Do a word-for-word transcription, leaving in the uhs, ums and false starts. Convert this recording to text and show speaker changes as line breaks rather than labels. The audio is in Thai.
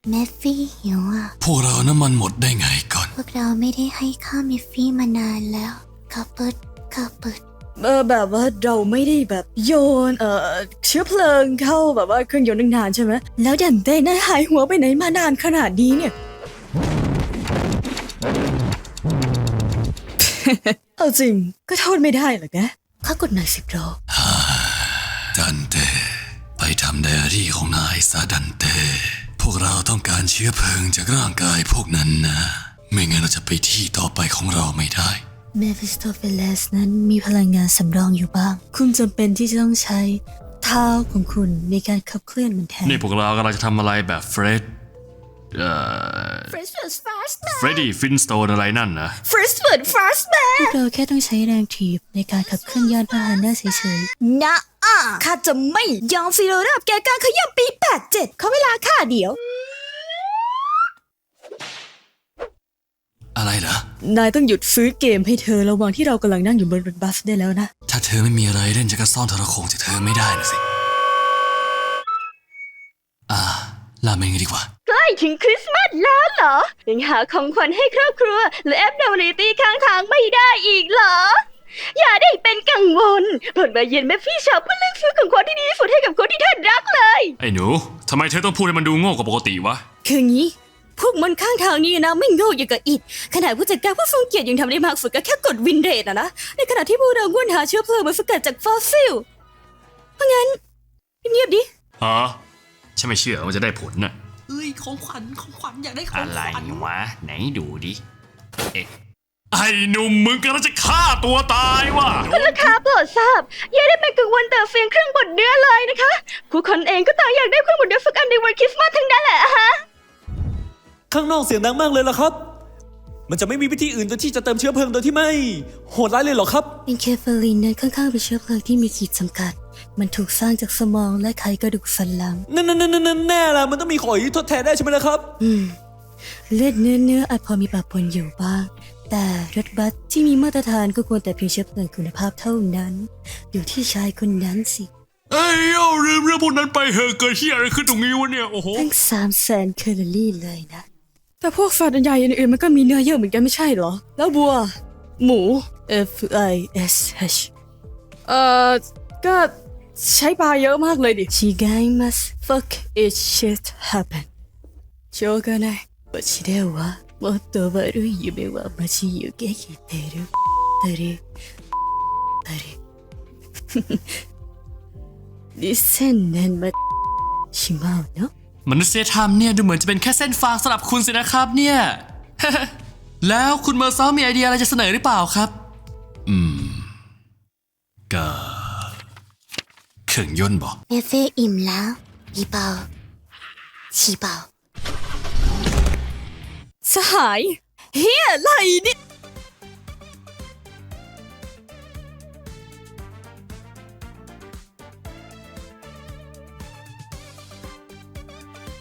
เมฟฟี่หิวอ่ะ
พวกเราน้ำมันหมดได้ไงก่อน
พวกเราไม่ได้ให้ข้าวเมฟฟี่มานานแล้วข้าวเปิดข้าวเปิด
เออแบบว่าเราไม่ได้แบบโยนเอ่อเชื้อเพลิงเข้าแบบว่าเครื่องยนต์นานๆใช่ไหมแล้วดันเต้น่าหายหัวไปไหนมานานขนาดนี้เนี่ย เอาจริงก็โทษไม่ได้หรอกนะข้ากดหน่อยสิบโล
ดันเต้ไปทำไดอารี่ของนายซะดันเต้พวกเราต้องการเชื้อเพลิงจากร่างกายพวกนั้นนะไม่งั้นเราจะไปที่ต่อไปของเราไม่ได้
เมฟิสโตเฟเลสนั้นมีพลังงานสำรองอยู่บ้างคุณจำเป็นที่จะต้องใช้เท้าของคุณในการขับเคลื่อนมันแทน
นี่พวกเรากำลังจะทำอะไรแบบเฟรดเอ่อ
Fresh First Fast Man
เฟรดดี้ฟินสโตนอะไรนั่นนะ
Fresh First Fast Man พวกเราแค่ต้องใช้แรงถีบในการขับเคลื่อนยานพาหนะเฉยๆนะอ่ะข้าจะไม่ยอมฟีโรราบแกการขย่ำปีแปดเจ็ดเขาเวลาข้าเดียว
อะไรเหรอน
ายต้องหยุดซื้อเกมให้เธอระหว่างที่เรากำลังนั่งอยู่บนรถบัสได้แล้วนะ
ถ้าเธอไม่มีอะไรเล่นจะกระซ่อนโทรโขงจากเธอไม่ได้นะสิอ่าลาเมงดีกว่า
ใกล้ถึงคริสต์มาสแล้วเหรอยังหาของขวัญให้ครอบครัวหรือแอปดาวน์โหลดตีข้างทางไม่ได้อีกเหรออย่าได้เป็นกังวลผลมาเย็นแม่พี่ชาวเพื่อเลือกซื้อของขวัญที่ดีที่สุดให้กับคนที่ท่านรักเลย
ไอ้หนูทำไมเธอต้องพูดให้มันดูโง่กว่าปกติวะ
คืองี้พวกมันข้างทางนี้นะไม่โง่อย่างกับอิดขนาดผู้จัดการผู้ทรงเกียรติยังทำได้มากสุดก็แค่กดวินเรทอะนะในขณะที่พวกเราวนหาเชื้อเพลิงมาสกัดจากฟอสซิลเพราะงั้นเงียบดิ
ฮะฉันไม่เชื่อว่าจะได้ผลน่ะ
เอ้ยของขวัญของขวัญอยากได้ของขวัญ
อะไรวะไหนดูดิเอ๊ะไอ้หนุ่มมึงกำลังจะฆ่าตัวตายวะ
คุณลูกค้าโปรดทราบอย่าได้เป็นกังวลแต่เพียงเครื่องบดเนื้อเลยนะคะผู้คนเองก็ต่างอยากได้เครื่องบดเนื้อสักอันในวันคริสต์มาสทั้งนั้นแหละฮะ
ข้างนอกเสียงดังมากเลยล่ะครับมันจะไม่มีวิธีอื่นที่จะเติมเชื้อเพลิงโดยที่ไม่โหดร้ายเลยหรอครับ
อินเคฟาลินนั้นค่อนข้างเป็นเชื้อเพลิงที่มีขีดจำกัดมันถูกสร้างจากสมองและไขกระดูกสันหลัง
นั่นนั่นนั่นนั่นแน่ละมันต้องมีของที่ทดแทนได้ใช่ไหมล่ะครับ
อืมเลือดเนื้อเนื้ออาจพอมีปะปนอยู่บ้างแต่รถบัสที่มีมาตรฐานก็ควรแต่เพียงเชื้อเพลิงคุณภาพเท่านั้นอยู่ที่ชายคนนั้นสิ
เอ้ยเอาเรื่องเรื่องพวกนั้นไปเหอะเกิดที่อะไรขึ้นตรงนี้วะเนี่ยโอ้โห
ทั้งสามแสนแคลอรี่เลยนะแต่พวกสัตว์ใหญ่อื่นๆมันก็มีเนื้อเยอะเหมือนกันไม่ใช่เหรอแล้วบัวหมู F I S H เอ่อก็ใช้ปลาเยอะมากเลยดิชิกายมัส fuck it shit happen しょうがないわしではもっと悪い夢は待ち受けてるたりたりにせんねんましまうの
มนุษยธรรมเนี่ยดูเหมือนจะเป็นแค่เส้นฟางสำหรับคุณสินะครับเนี่ย แล้วคุณเมอร์ซอลมีไอเดียอะไรจะเสนอหรือเปล่าครับอืมก็เครื่องยนต์บอก
เมฟฟี่อิ่มแล้วอีเปาชีเปา
สหายเฮียอะไรเนี่ย